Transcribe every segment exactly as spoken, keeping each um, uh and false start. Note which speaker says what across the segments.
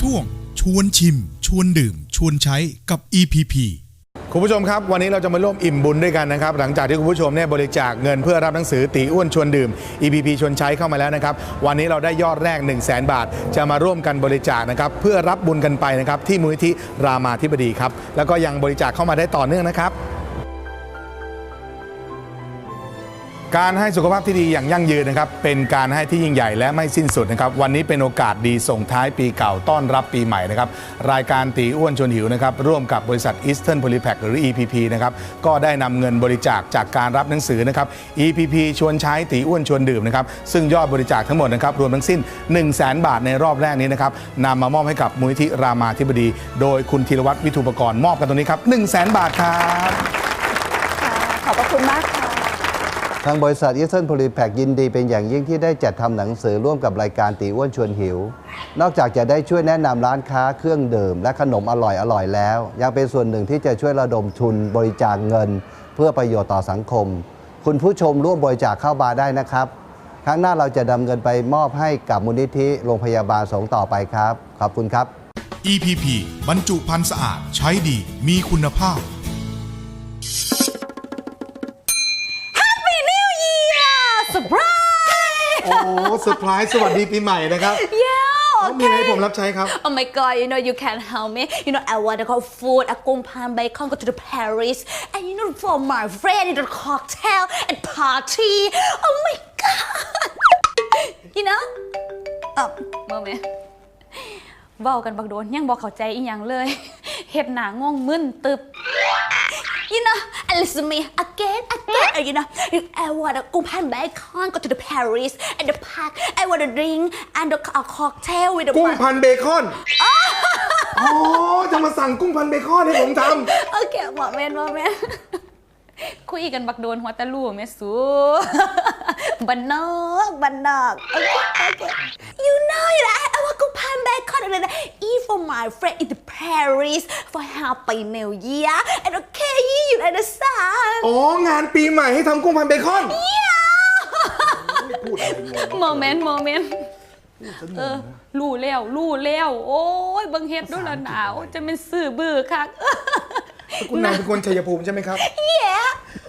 Speaker 1: ช่วงชวนชิมชวนดื่มชวนใช้กับ อี พี พี
Speaker 2: คุณผู้ชมครับวันนี้เราจะมาร่วมอิ่มบุญด้วยกันนะครับหลังจากที่คุณผู้ชมเนี่ยบริจาคเงินเพื่อรับหนังสือตีอ้วนชวนดื่ม อี พี พี ชวนใช้เข้ามาแล้วนะครับวันนี้เราได้ยอดแรก หนึ่งแสน บาทจะมาร่วมกันบริจาคนะครับเพื่อรับบุญกันไปนะครับที่มูลนิธิรามาธิบดีครับแล้วก็ยังบริจาคเข้ามาได้ต่อเนื่องนะครับการให้สุขภาพที่ดีอย่างยั่งยืนนะครับเป็นการให้ที่ยิ่งใหญ่และไม่สิ้นสุดนะครับวันนี้เป็นโอกาสดีส่งท้ายปีเก่าต้อนรับปีใหม่นะครับรายการตีอ้วนชวนหิวนะครับร่วมกับบริษัท Eastern Polypack หรือ อี พี พี นะครับก็ได้นำเงินบริจาคจากการรับหนังสือนะครับ อี พี พี ชวนใช้ตีอ้วนชวนดื่มนะครับซึ่งยอดบริจาคทั้งหมดนะครับรวมทั้งสิ้น หนึ่งแสน บาทในรอบแรกนี้นะครับนำมามอบให้กับมูลนิธิรามาธิบดีโดยคุณธีรวัฒน์วิทูปกรณ์มอบกันตรงนี้ครับ หนึ่งแสน บาทครับ
Speaker 3: ขอบพระคุณมากค่ะ
Speaker 4: ทางบริษัท Eastern Polypack ยินดีเป็นอย่างยิ่งที่ได้จัดทำหนังสือร่วมกับรายการตีอ้วนชวนหิว นอกจากจะได้ช่วยแนะนำร้านค้าเครื่องดื่มและขนมอร่อยๆแล้ว ยังเป็นส่วนหนึ่งที่จะช่วยระดมทุนบริจาคเงิน เพื่อประโยชน์ต่อสังคม คุณผู้ชมร่วมบริจาคเข้ามาได้นะครับครั้งหน้าเราจะนำเงินไปมอบให้กับมูลนิธิโรงพยาบาลสงฆ์ต่อไปครับขอบคุณครับ
Speaker 1: อี พี พี บรรจุภัณฑ์สะอาดใช้ดีมีคุณภาพ
Speaker 3: เซอร์ไพรส์
Speaker 2: โอ้เซอร์ไพรส์สวัสดีปีใหม่นะครับ
Speaker 3: yeah okay
Speaker 2: มีอะไรให้ผมรับใช้ครับ
Speaker 3: oh my god you know you can help me you know I want to go food อากงพานไบคอน go to the Paris and you know for my friend you know cocktail and party oh my god you know อ่ะโมเมนต์เว้ากันบักโดนยังบอกเข้าใจอีหยังเลยเฮ็ดหน้างงมึนตึบYou know, and listen to me again, again. You know, I want to go pan bacon, go to the Paris and the park. I want to drink and a cocktail with the
Speaker 2: กุ้งพันเบคอนอ๋อจะมาสั่งกุ้งพันเบคอนให้ผมทำ
Speaker 3: โอเคโมเมนต์โมเมนต์คุยกันบักโดนหัวตะลู่แม่สูบันนอกบันนอกโอเคโอเค You know you know I want to pan bacon and eat for my friend in the Paris for Happy New Year and okay you understand
Speaker 2: อ๋องานปีใหม่ให้ทำกุ้งพันเบคอนพูดอะไรงง
Speaker 3: โมเมนต์โมเมนต์เออลู่แล้วลู่แล้วโอ้ยบังเฮ็ดด้วยละหนาวจะเป็นสื่อบื้อคัก
Speaker 2: คุณนายเป็นคนชัยภูมิใช่ไหมครับ
Speaker 3: Yeah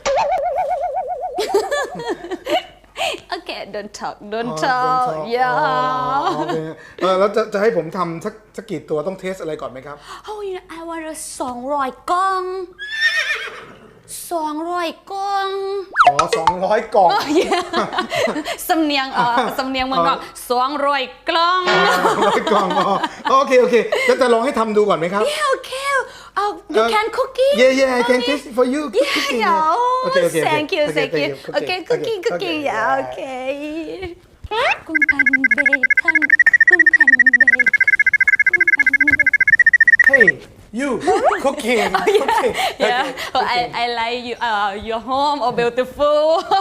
Speaker 3: Okay don't talk don't talk Yeah
Speaker 2: เออแล้วจะจะให้ผมทำสักสักกี่ตัวต้องเทสอะไรก่อนไหมครับ
Speaker 3: Oh you know I want a สองร้อยกล่องสองร้อยกล่อง
Speaker 2: อ๋อสองร้อยกล่อง
Speaker 3: สำเนียงเออสำเนียงเมืองนอกสองร้อยกล่อง
Speaker 2: ร้อยกล่องอ๋อโอเคโอเคจะจะลองให้ทำดูก่อนไหมครับ
Speaker 3: Yeah okay oh you can cooking
Speaker 2: Yeah yeah I can taste for you
Speaker 3: Yeah yeah
Speaker 2: Okay okay
Speaker 3: thank you thank you Okay cooking cooking yeah okay กุ้งพันเบคอนกุ้งพันเบคอนกุ้งพันเบคอน
Speaker 2: Hey you cooking
Speaker 3: okay yeah I I like you uh your home or beautiful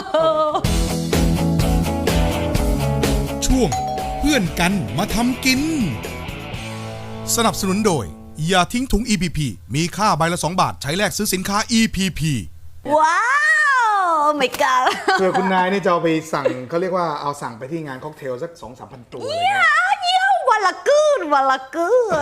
Speaker 1: ช่วงเพื่อนกันมาทำกินสนับสนุนโดยอย่าทิ้งถุง อี พี พี มีค่าใบละสองบาทใช้แลกซื้อสินค้า อี พี พี
Speaker 3: ว้าว my god
Speaker 2: เผื่อคุณนายนี่จะเอาไปสั่งเขาเรียกว่าเอาสั่งไปที่งานค็อกเทลสัก สองสามพัน ตัวเลยนะ
Speaker 3: เยี่ยมวันละกืนวันละกืน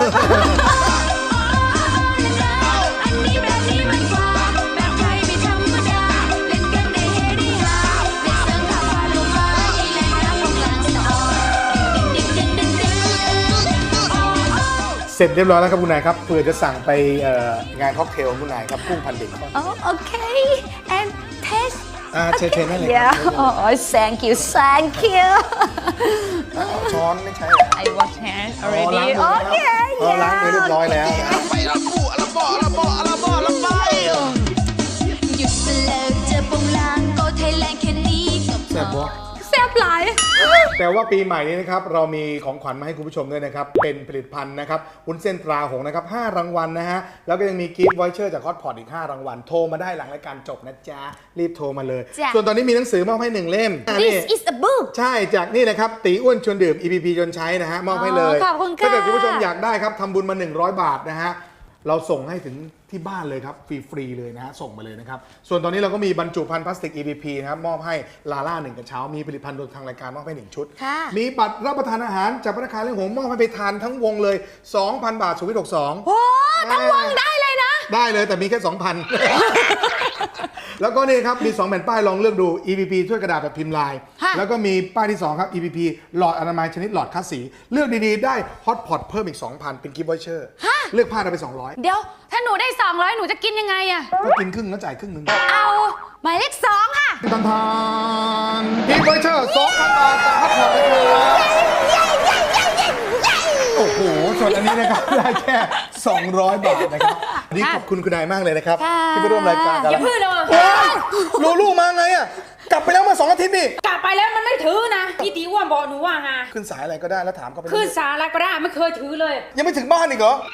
Speaker 2: เสร็จเรียบร้อยแล้วครับคุณนายครับเผื่อจะสั่งไปงานค็อกเทลคุณนายครับกุ้งพันเบคอน
Speaker 3: อ๋อโอเค and taste
Speaker 2: อ่าเชิญเชิญได้เลยครับ
Speaker 3: yeah oh thank you thank you
Speaker 2: ช้อนไม่ใช่
Speaker 3: I wash hand already
Speaker 2: โอเคล้างมือเรียบร้อยแล้วไปละปูละบ่อละบ่อละบ่อละไป
Speaker 3: หยุดเลิกเจอปงลางก็ไทยแลนด์แค่นี้แซ่บบ่แซ่บหลาย
Speaker 2: แต่ว่าปีใหม่นี้นะครับเรามีของขวัญมาให้คุณผู้ชมด้วยนะครับเป็นผลิตภัณฑ์นะครับวุ้นเส้นตราหงส์นะครับห้ารางวัลนะฮะแล้วก็ยังมีกิฟต์วอยเชอร์จากฮอตพอตอีกห้ารางวัลโทรมาได้หลังรายการจบนะจ๊ะรีบโทรมาเลยส่วนตอนนี้มีหนังสือมอบให้หนึ่งเล่ม
Speaker 3: This is a book
Speaker 2: ใช่จากนี่นะครับตีอ้วนชวนดื่ม อี พี พี ชวนใช้นะฮะมอบให้เลย
Speaker 3: ขอบคุณค่ะ
Speaker 2: ถ้าเกิดคุณผู้ชมอยากได้ครับทำบุญมาหนึ่งร้อยบาทนะฮะเราส่งให้ถึงที่บ้านเลยครับฟรีๆเลยนะฮะส่งมาเลยนะครับส่วนตอนนี้เราก็มีบรรจุภัณฑ์พลาสติก อี พี พี นะครับมอบให้ลาล่าหนึ่งกระเช้ามีผลิตภัณฑ์โดยทางรายการมอบให้หนึ่งชุด
Speaker 3: ค่ะ
Speaker 2: มีบัตรรับประทานอาหารจากพนักงานเลี้ยงหงมอบให้ไปทานทั้งวงเลย สองพัน บาทสุวิทย์หกสิบสอง
Speaker 3: โอ้ทั้งวงได้เลยนะ
Speaker 2: ได้เลยแต่มีแค่ สองพัน แล้วก็นี่ครับมีสองแผ่นป้ายลองเลือกดู อี พี พี ช่วยกระดาษแบบพิมพ์ลาย
Speaker 3: ค่ะ
Speaker 2: แล้วก็มีป้ายที่สองครับ อี พี พี หลอดอนามัยชนิดหลอดคัดสีเลือกดีๆได้ฮอตพอตเพิ่มอีก สองพัน เป็นกิฟต์วอเชอร์เลือกผ้าได้ไปสองร้อย
Speaker 3: เดี๋ยว ถ้าหนูได้สองร้อยหนูจะกินยังไงอะ
Speaker 2: ก็กินครึ่งแล้วจ่ายครึ่งหนึง
Speaker 3: เอาหมายเลขสองค่ะ
Speaker 2: ทันทานกิฟต์วอเชอร์ สองพัน บาทจากฮอตพอตเลยครับโอ้โหส่วนอันนี้นะครับได้แค่สองร้อยบาทนะครับวันนี่ขอบคุณคุณนายมากเลยนะครับ
Speaker 3: ค่ะ
Speaker 2: ที่ไปร่วมรายการกับ
Speaker 5: อย่า
Speaker 2: เรา
Speaker 5: พึ่งเลย
Speaker 2: โอ้ยลูลูมาไงอ่ะกลับไปแล้วมาสองอาทิตย์นี่
Speaker 5: กลับไปแล้วมันไม่ถือนะพี่ตีอ้ว่าบอกหนูว่าไง
Speaker 2: ขึ้นสายอะไรก็ได้แล้วถามเขาไป
Speaker 5: ขึ้นสาระก็ได้ไม่เคยถือเลย
Speaker 2: ยังไม่ถึงบ้านอีกเหรอ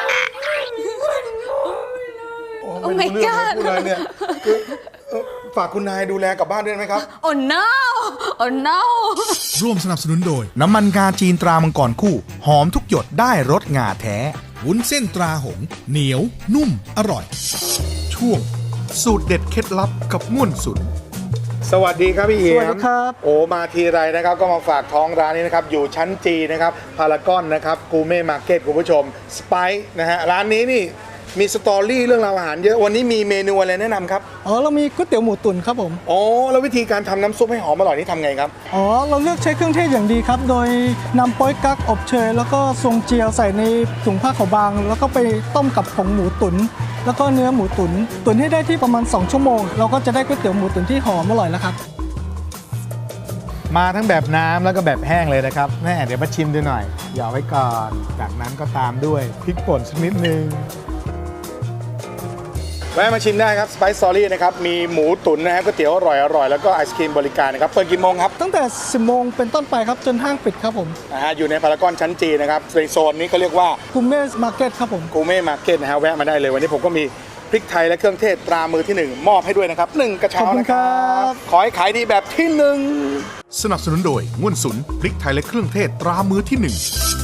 Speaker 2: โอ้
Speaker 3: Oh
Speaker 2: ไม่
Speaker 3: my
Speaker 2: รู้เรื่อง
Speaker 3: God
Speaker 2: พูดอะไรเนี่ยคือเอ่อฝากคุณนายดูแลกลับบ้านด้วยไหมครับ
Speaker 3: Oh no Oh no
Speaker 1: ร่วมสนับสนุนโดย น้ำมันงาจีนตรามังกรคู่ หอมทุกหยดได้รสงาแท้ วุ้นเส้นตราหงส์เหนียว นุ่ม อร่อย ช่วง สูตรเด็ดเคล็ดลับกับม่วนสุด
Speaker 2: สวัสดีครับพี่เอี่ยม
Speaker 6: สวัสดีครับ
Speaker 2: โอ้มาทีไรนะครับก็มาฝากท้องร้านนี้นะครับอยู่ชั้นจีนะครับพารากอนนะครับกูเม่มาร์เก็ตคุณผู้ชมสไปซ์นะฮะร้านนี้นี่มีสตอรี่เรื่องราวอาหารเยอะวันนี้มีเมนูอะไรแนะนำครับ
Speaker 6: อ๋อเรามีก๋วยเตี๋ยวหมูตุ๋นครับผม
Speaker 2: อ๋อแล้ววิธีการทำน้ำซุปให้หอมอร่อยนี่ทำไงครับ
Speaker 6: อ๋อเราเลือกใช้เครื่องเทศอย่างดีครับ โดยนำโป๊ยกั๊กอบเชยแล้วก็ทรงเจียวใส่ในถุงผ้าขาวบาง แล้วก็ไปต้มกับผงหมูตุ๋นแล้วก็เนื้อหมูตุ๋นตุ๋นให้ได้ที่ประมาณสองชั่วโมงเราก็จะได้ก๋วยเตี๋ยวหมูตุ๋นที่หอมอร่อยแล้วครับ
Speaker 2: มาทั้งแบบน้ำแล้วก็แบบแห้งเลยนะครับแม่เดี๋ยวมาชิมดูหน่อยหยอไว้ก่อนจากนั้นก็ตามด้วยพริกป่นสักนิดนึงแวะมาชิมได้ครับ Spice Story นะครับมีหมูตุ๋นนะฮะก๋วยเตี๋ยวอร่อยอร่อยแล้วก็ไอศครีมบริการนะครับเปิดกี่โมงครับ
Speaker 6: ตั้งแต่สิบโมงเป็นต้นไปครับจนห้างปิดครับผม
Speaker 2: นะฮะอยู่ในพารากอนชั้นจีนะครับในโซนนี้เขาเรียกว่า
Speaker 6: กุมเม่มาร์เก็ตครับผม
Speaker 2: กูเม่มาร์เก็ตนะฮะแวะมาได้เลยวันนี้ผมก็มีพริกไทยและเครื่องเทศตรามือที่หนึ่งมอบให้ด้วยนะครับหนึ่งกระเช้านะครั
Speaker 6: ขอบคุณครับ บ
Speaker 2: ขอให้ขายดีแบบที่หนึ่ง
Speaker 1: สนับสนุนโดยม่วนสุนพริกไทยและเครื่องเทศตรามือที่หนึ่ง